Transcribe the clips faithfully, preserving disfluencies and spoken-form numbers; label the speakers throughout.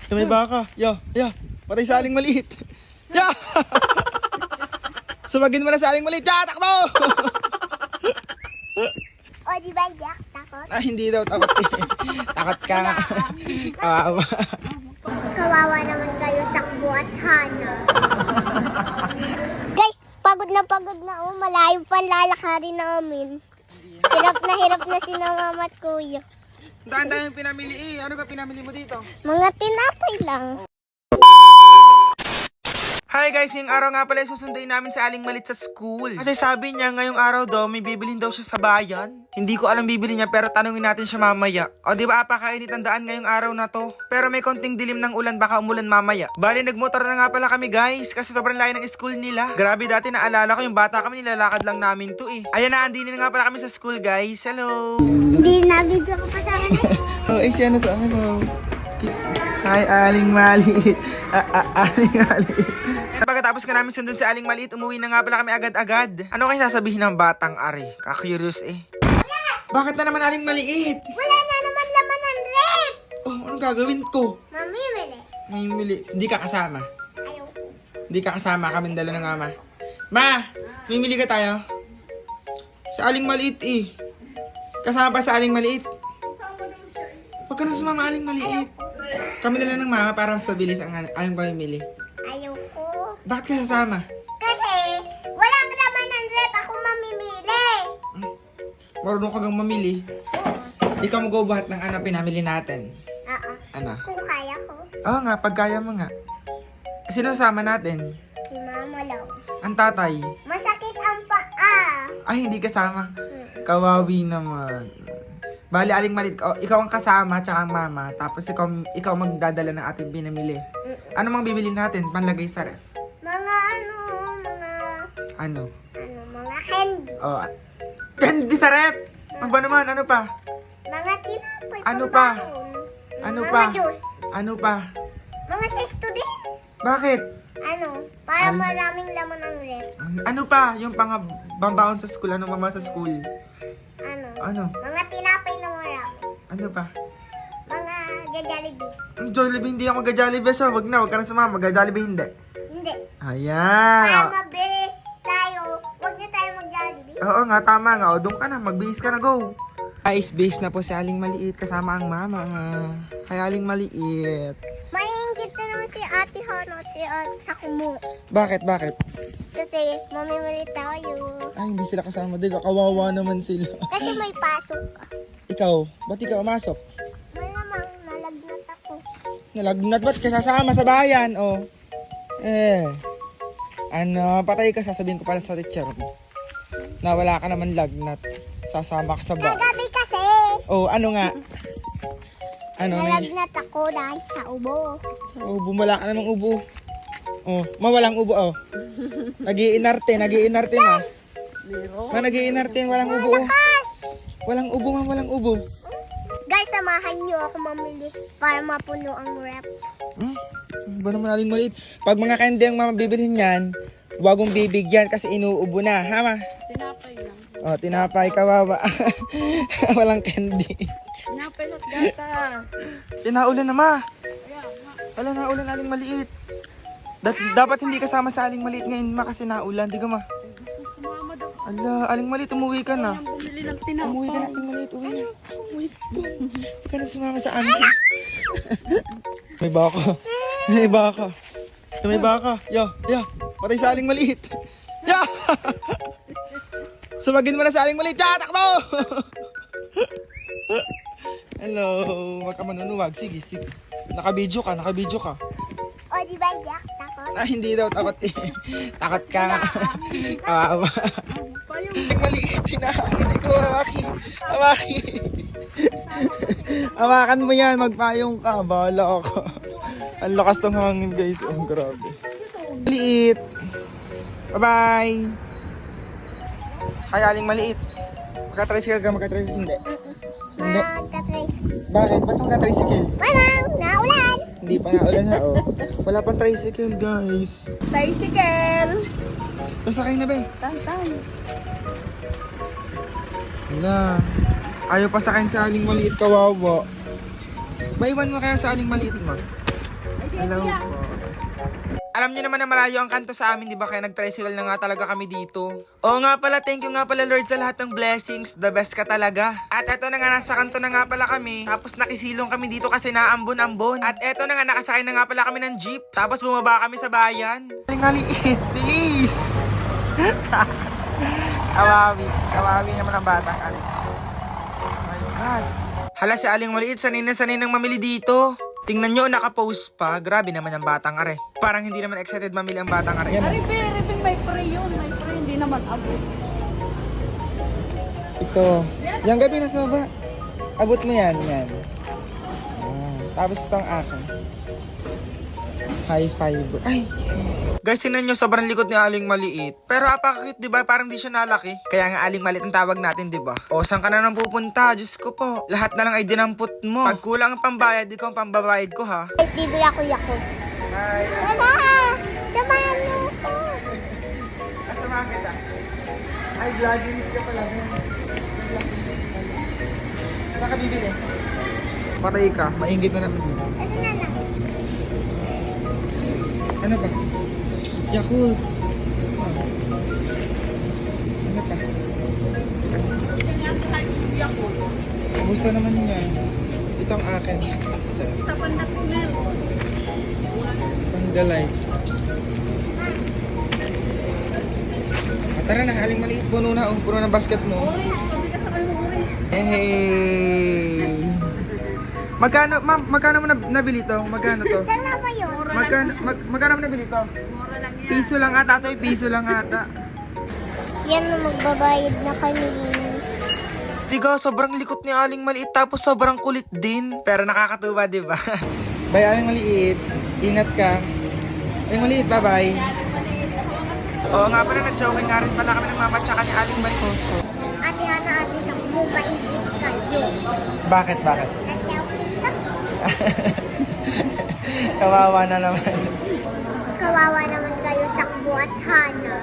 Speaker 1: May baka. Ya, ya. Patay sa aling maliit. Ya! Sumagin mo na sa aling maliit. Ya, takbo!
Speaker 2: O, di ba, Jack? Takot?
Speaker 1: Ah, hindi daw. Takot eh. Takot ka nga. Kawawa.
Speaker 2: Kawawa naman kayo, Sakbo at Hana. Guys, pagod na pagod na. Oh, malayo pa lalakarin namin. Hirap na hirap na si na mama at kuya.
Speaker 1: Daan tayong pinamili eh. Ano ka pinamili mo dito?
Speaker 2: Mga tinapay lang.
Speaker 1: Hi guys, ngayong araw nga pala susunduin namin sa Aling Malit sa school. Kasi sabi niya ngayong araw daw may bibilhin daw siya sa bayan. Hindi ko alam bibili niya pero tanungin natin siya mamaya. O di ba apakainit ang daan ngayong araw na to. Pero may konting dilim ng ulan, baka umulan mamaya. Bali nagmotor na nga pala kami guys kasi sobrang layo ng school nila. Grabe, dati naalala ko yung bata kami nilalakad lang namin to eh. Ayan na, andini na nga pala kami sa school guys. Hello.
Speaker 2: Hindi na video ko pa sa akin eh.
Speaker 1: Oh, eh si ano to? Ano? Hi, Aling Maliit. Ah, ah, Aling Maliit. Pagkatapos ka namin sundin sa Aling Maliit, umuwi na nga pala kami agad-agad. Ano kayo sasabihin ng batang ari? Ka-curious eh. Bakit na naman Aling Maliit?
Speaker 2: Wala na naman laman ng rep.
Speaker 1: Oh, anong gagawin ko?
Speaker 2: Mamimili.
Speaker 1: May mili. Hindi ka kasama.
Speaker 2: Ayaw ko.
Speaker 1: Hindi ka kasama. Kami dala ng ama. Ma, mimili ka tayo? Sa Aling Maliit eh. Kasama pa sa Aling Maliit. Huwag ka na sumama Aling Maliit. Kami dala ng mama para sa bilis ang ayong pamimili.
Speaker 2: Ayaw ko.
Speaker 1: Bakit ka sasama?
Speaker 2: Kasi walang laman ng rep. Ako mamimili.
Speaker 1: Marunong ka gang mamili.
Speaker 2: Oo.
Speaker 1: Ikaw mag-ubuhat ng ano pinamili natin.
Speaker 2: Oo.
Speaker 1: Ano?
Speaker 2: Kung kaya ko.
Speaker 1: Oo nga, pagkaya mo nga. Sino sama natin?
Speaker 2: Si mama lang.
Speaker 1: Ang tatay.
Speaker 2: Masakit ang paa.
Speaker 1: Ay, hindi kasama.
Speaker 2: Hmm.
Speaker 1: Kawawi naman. Bali, Aling Malit, oh, ikaw ang kasama, tsaka ang mama. Tapos ikaw, ikaw magdadala ng ating pinamili.
Speaker 2: Mm-mm.
Speaker 1: Ano mang bibili natin? Panlagay sa ref.
Speaker 2: Mga ano, mga,
Speaker 1: Ano?
Speaker 2: ano, mga candy.
Speaker 1: Oh, candy sa ref! Ang ba naman? Ano pa?
Speaker 2: Mga tinapay.
Speaker 1: Ano pa?
Speaker 2: pambaon.
Speaker 1: Ano
Speaker 2: mga
Speaker 1: pa?
Speaker 2: juice.
Speaker 1: Ano pa?
Speaker 2: Mga sesto din.
Speaker 1: Bakit?
Speaker 2: Ano, para
Speaker 1: Ano?
Speaker 2: maraming laman ang rep.
Speaker 1: Ano pa? Yung pang bambaon sa school. Ano mama sa school?
Speaker 2: Ano,
Speaker 1: Ano?
Speaker 2: mga tinapay na marami.
Speaker 1: Ano pa?
Speaker 2: Mga Jollibee.
Speaker 1: Ang Jollibee, hindi ako mag-Jollibee siya. Wag na, wag ka na sumama. Mag-Jollibee hindi.
Speaker 2: Hindi. Para
Speaker 1: Ayan.
Speaker 2: mabilis tayo, huwag na tayo mag-Jollibee.
Speaker 1: Oo nga, tama nga. O, doon ka na. Magbihis ka na, go. Guys, base na po si Aling Maliit kasama ang mama. Kay Aling Maliit.
Speaker 2: Maingit na naman si Ate Hana at si Ate Sakumo.
Speaker 1: Bakit, bakit?
Speaker 2: Kasi mamimili tayo.
Speaker 1: Ay, hindi sila kasama. Diga, kawawa naman sila.
Speaker 2: Kasi may pasok.
Speaker 1: Ikaw, ba't ikaw umasok?
Speaker 2: Malamang nalagnat ako.
Speaker 1: Nalagnat, ba't ka sasama sa bayan? O. Eh. Ano, patay ka, sasabihin ko pala sa teacher mo. Na wala ka naman lagnat. Sasama ka sa bayan.
Speaker 2: Kagabi kasi,
Speaker 1: Oh, ano nga? Ano, may...
Speaker 2: nalagnat ako dahil sa ubo.
Speaker 1: Sa ubo, wala ka namang ubo. Oh, mawalang ubo, oh. Nagiinarte, nagiinarte na. Ma, nagiinarte, walang ubo, oh.
Speaker 2: Kas!
Speaker 1: Walang ubo, ma, walang ubo.
Speaker 2: Guys, samahan niyo ako mamili para mapuno ang rep.
Speaker 1: Hmm? Ano ba naman Aling Maliit? Pag mga candy ang mama bibilhin yan, huwag mong bibigyan kasi inuubo na, ha, ma?
Speaker 3: Tinapay lang.
Speaker 1: Oh, tinapay, kawawa. Walang candy.
Speaker 3: Tinapay at gatas.
Speaker 1: Tinaulan na, ma.
Speaker 3: Kaya nga.
Speaker 1: Wala, naulan Aling Maliit. Dat- dapat hindi kasama sa Aling Maliit ngayon, ma, kasi naulan. Di ka, ma?
Speaker 3: Sumama daw.
Speaker 1: Ala, Aling Maliit, umuwi ka na.
Speaker 3: Ang bumili ng tinapay.
Speaker 1: Umuwi ka na, Aling Maliit. Uwi na. Umuwi ka doon. Huwag ka na sumama sa amin. May baka. May baka. May baka. Ya, ya. Patay sa Aling Maliit. Ya! Sumagin mo na sa Aling Maliit. Ya, takbo! Hello. Huwag ka manunuwag. Sige, sige. Nakabidyo ka, nakabidyo ka.
Speaker 2: O, di ba, Jack? Takot?
Speaker 1: Ah, hindi daw. Takot eh. Takot ka nga. Kawawa.
Speaker 3: Pa yung
Speaker 1: Aling Maliit. Hinahangin. Ikaw, Amaki. Amaki. Hawakan mo yan, magpayong ka. Bahala ako. Ang lakas ng hangin guys. Oh, grabe. Maliit. Bye-bye. Hi, Aling Maliit. Magka-tricycle ka, magka-tricycle. Hindi. Hindi.
Speaker 2: Magka-try.
Speaker 1: Bakit? Ba't magka-tricycle?
Speaker 2: Walang, naulan.
Speaker 1: Hindi pa naulan ha, oh. Wala pang tricycle, guys.
Speaker 3: tricycle.
Speaker 1: Pasakay na ba eh?
Speaker 3: Tantan.
Speaker 1: Hala. Ayaw pasakayin sa Aling Maliit, kawawa. Maiwan mo kaya sa Aling Maliit mo? Hello po. Alam niyo naman na malayo ang kanto sa amin, di ba? Kaya nag-tricycle na nga talaga kami dito. Oo nga pala, thank you nga pala Lord sa lahat ng blessings. The best ka talaga. At eto na nga, nasa kanto na nga pala kami. Tapos nakisilong kami dito kasi naambon-ambon. At eto na nga, nakasakay na nga pala kami ng jeep. Tapos bumaba kami sa bayan. Aling-aliit, bilis! Kawawi. Kawawi naman ang batang ali. Oh my God. Hala, si Aling Maliit, sanay na sanay nang mamili dito. Tingnan nyo, nakapost pa. Grabe naman ang batang are. Parang hindi naman excited mamili ang batang are. Yan.
Speaker 3: Aripin, aripin, may pre yun. May pre, hindi naman abot.
Speaker 1: Ito. Yung gabi na sa baba. Abot mo yan, yan. Ah, tapos itong akin. High five. Ay! Guys, sinan nyo, sobrang likod ni Aling Maliit. Pero apaka-cute, di ba? Parang di siya nalaki. Kaya nga Aling Maliit ang tawag natin, di ba? O, saan ka na nang pupunta? Diyos ko po. Lahat na lang ay dinampot mo. Pag kulang ang pambayad, ikaw ang pambabayad ko, ha?
Speaker 2: Ay, bibili ako Yakult.
Speaker 1: Hi!
Speaker 2: Wala! Samahan mo ko!
Speaker 1: Kasamahan kita. Ay, vloggerist ka pala. Vloggerist ka pala. Saan ka bibili? Patay ka. Maingit na naman yun.
Speaker 2: Ano na lang?
Speaker 1: Ano ba? Yakult. Ano pa? Gusto naman yan. Ito ang akin. Isa.
Speaker 3: Sa pandak smell.
Speaker 1: Pandalay. Ah, tara na, Aling Maliit. Puno na. Oh. Puno ng basket mo.
Speaker 3: Oris, pabigas sa kayo oris.
Speaker 1: Hey! Magkano, ma'am, magkano mo nab- nabili to? Magkano to?
Speaker 2: Dala mo yun.
Speaker 1: Magkano, mag, magkano mo nabili to?
Speaker 3: Mura lang yan.
Speaker 1: Piso lang ata to, eh. Piso lang ata.
Speaker 2: Yan na magbabayad na kami.
Speaker 1: Diga, sobrang likot ni Aling Maliit tapos sobrang kulit din. Pero nakakatuwa, di ba? Bye, Aling Maliit. Ingat ka. Aling Maliit, bye-bye. Oo nga pala, nag-joking nga rin pala kami ng mama tsaka ni Aling Maliit.
Speaker 2: Ate Hana, ate sa mabait kayo.
Speaker 1: Bakit, bakit?
Speaker 2: Nag-joking ka.
Speaker 1: Kawawa na naman.
Speaker 2: Kawawa naman kayo sa at Hana.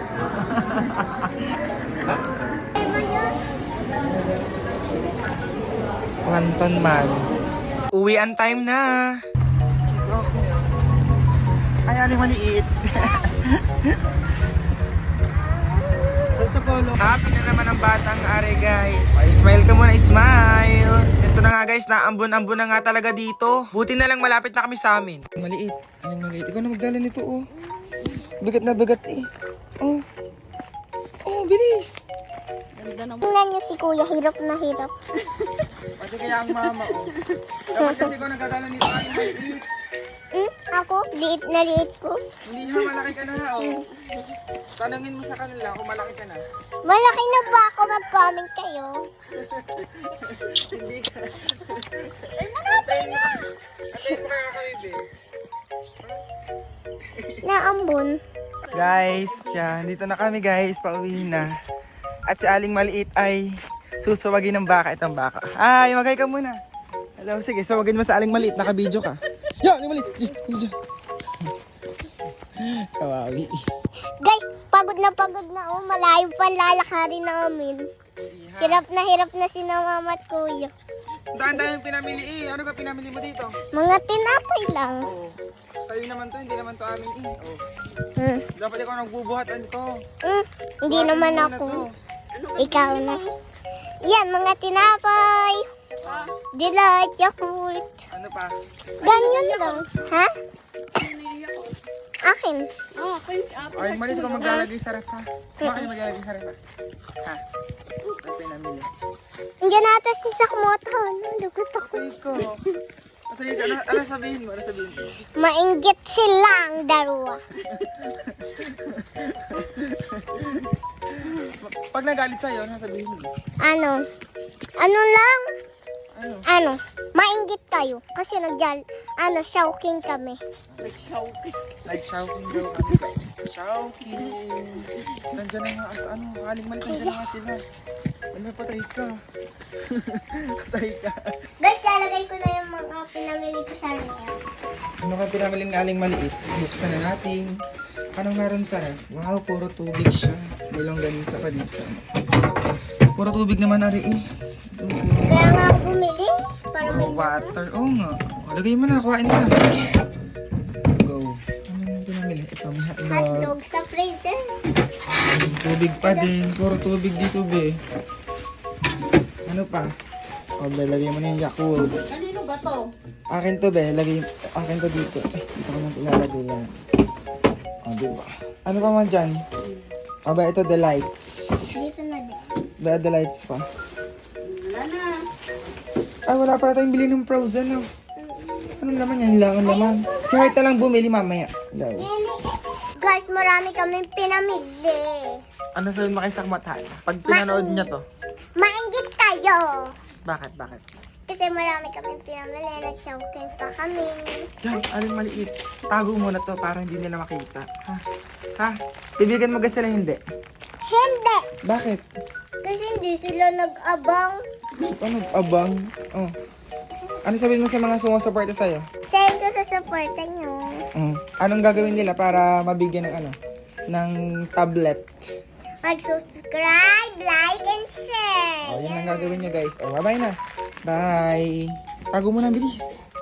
Speaker 2: Ay mo yun?
Speaker 1: Wanton man. Uwian time na. Dito ako. Ay, Aling Maliit. Sa polo. Happy na naman ang batang are, guys. Ay, smile ka muna, smile. Ito na nga, guys, naambon-ambon na nga talaga dito. Buti na lang malapit na kami sa amin. Maliit. Aling Maliit. Ikaw na magdala nito, oh. Bigat na bigat, eh. Oh. Oh, bilis.
Speaker 3: Ganda naman.
Speaker 2: Tingnan niyo si Kuya, hirap na hirap.
Speaker 1: Pati kaya ang mama, oh. Dapat kasi ikaw nagdadala nito, Aling Maliit.
Speaker 2: Hmm? Ako? Liit na liit ko.
Speaker 1: Hindi ha, malaki ka na, ha, oh. Tanungin mo sa kanila kung malaki ka na.
Speaker 2: Malaki na ba ako? Mag-comment kayo.
Speaker 1: Hindi ka. Ay, antayin mo. Antayin mo kaya kami, be.
Speaker 2: Naambon.
Speaker 1: Guys, yan. Dito na kami, guys. Pauwi na. At si Aling Maliit ay susawagin ng baka. Itong baka. Ay, magay ka muna. Hello, sige. Sawagin mo sa Aling Maliit. Naka-video ka. Yo, Aling Maliit. Video. Kawawi.
Speaker 2: Guys, pagod na pagod na. Oh, malayo pa ang lalakarin namin. Hirap na hirap na si na mama at kuya.
Speaker 1: Daan tayong pinamili eh. Ano ka pinamili mo dito?
Speaker 2: Mga tinapay lang.
Speaker 1: Oo. Sa'yo naman to, hindi naman to amin eh. Oo.
Speaker 2: Hmm.
Speaker 1: Dapat ikaw nagbubuhatan to.
Speaker 2: Hmm. Hindi
Speaker 1: Buhatin
Speaker 2: naman
Speaker 1: mo muna
Speaker 2: ako.
Speaker 1: to.
Speaker 2: Ikaw na. Yan, mga tinapay.
Speaker 3: Ah,
Speaker 2: Delight, Yakult.
Speaker 1: Ano pa?
Speaker 2: Ganyan lang. Ha?
Speaker 3: naiiyak ko.
Speaker 2: Akin.
Speaker 3: Ah, kay ate.
Speaker 1: Ay, Maliit, ikaw maglalagay sa ref ha. Bakit maglalagay sa ref ha? Ha? Ano pinamili?
Speaker 2: Andiyan natin si Sakmoton. Lugot ako.
Speaker 1: Atay ko. Atay ka. Ano, ano sabihin mo? Ano sabihin mo?
Speaker 2: Mainggit silang dalawa.
Speaker 1: Pag nagalit sa'yo, ano sabihin mo?
Speaker 2: Ano? Ano lang?
Speaker 1: Ano?
Speaker 2: Ano? Mainggit kayo. Kasi nagjal, ano, shouting kami.
Speaker 3: Nag-shouting.
Speaker 1: Like shouting daw kami guys. Shouting. Nandiyan na nga, at ano, Aling Maliit, nandiyan na nga sila. Ano, patay ka. Patay ka.
Speaker 2: Guys, lalagay ko na yung mga pinamili ko sa ref.
Speaker 1: Ano ka pinamili ng Aling Maliit? Buksan na natin. Anong meron sa ref? Wow, puro tubig siya. May longganisa pa dito. Puro tubig naman na rin eh. Tubig.
Speaker 2: Kaya nga ako bumili. Para may
Speaker 1: Oh, water. Oo nga. Oh, lagay mo na. Kuhain ka na. Tubig pa din. Puro tubig dito, be. Ano pa? O, be, lagay mo na yung Yakult.
Speaker 3: Kanino ba to?
Speaker 1: Akin to, be. Lagay, akin to dito. Eh, dito ko nang ilalagay yan. O, diba? Ano pa man dyan? O, ba, ito, the lights.
Speaker 2: Dito na din.
Speaker 1: Ba, the lights pa.
Speaker 3: Wala na.
Speaker 1: Ay, wala pala tayong bili ng frozen, no? Anong laman yan? Lang ang laman. Si Heart na lang bumili mamaya. Go.
Speaker 2: Guys, marami kaming pinamili.
Speaker 1: Ano sabihin mo kay Sakmat, ha? Pag pinanood niya to.
Speaker 2: Mainggit tayo.
Speaker 1: Bakit, bakit?
Speaker 2: Kasi marami kaming pinamili. Nag-choking pa kami.
Speaker 1: Yan, alin maliit. Tago mo na to para hindi nila makita. Ha? Ha? Ibigan mo guys sila hindi.
Speaker 2: Hindi.
Speaker 1: Bakit?
Speaker 2: Kasi hindi sila nag-abang.
Speaker 1: Ano, abang? Oh. Ano sabihin mo sa mga sumusuporta sa'yo?
Speaker 2: Thank you sa supportan nyo.
Speaker 1: Mm. Anong gagawin nila para mabigyan ng ano? Ng tablet?
Speaker 2: Mag-subscribe, like, and share.
Speaker 1: Oh, yun ang gagawin nyo guys. Oh, bye-bye na. Bye. Tago mo na, bilis.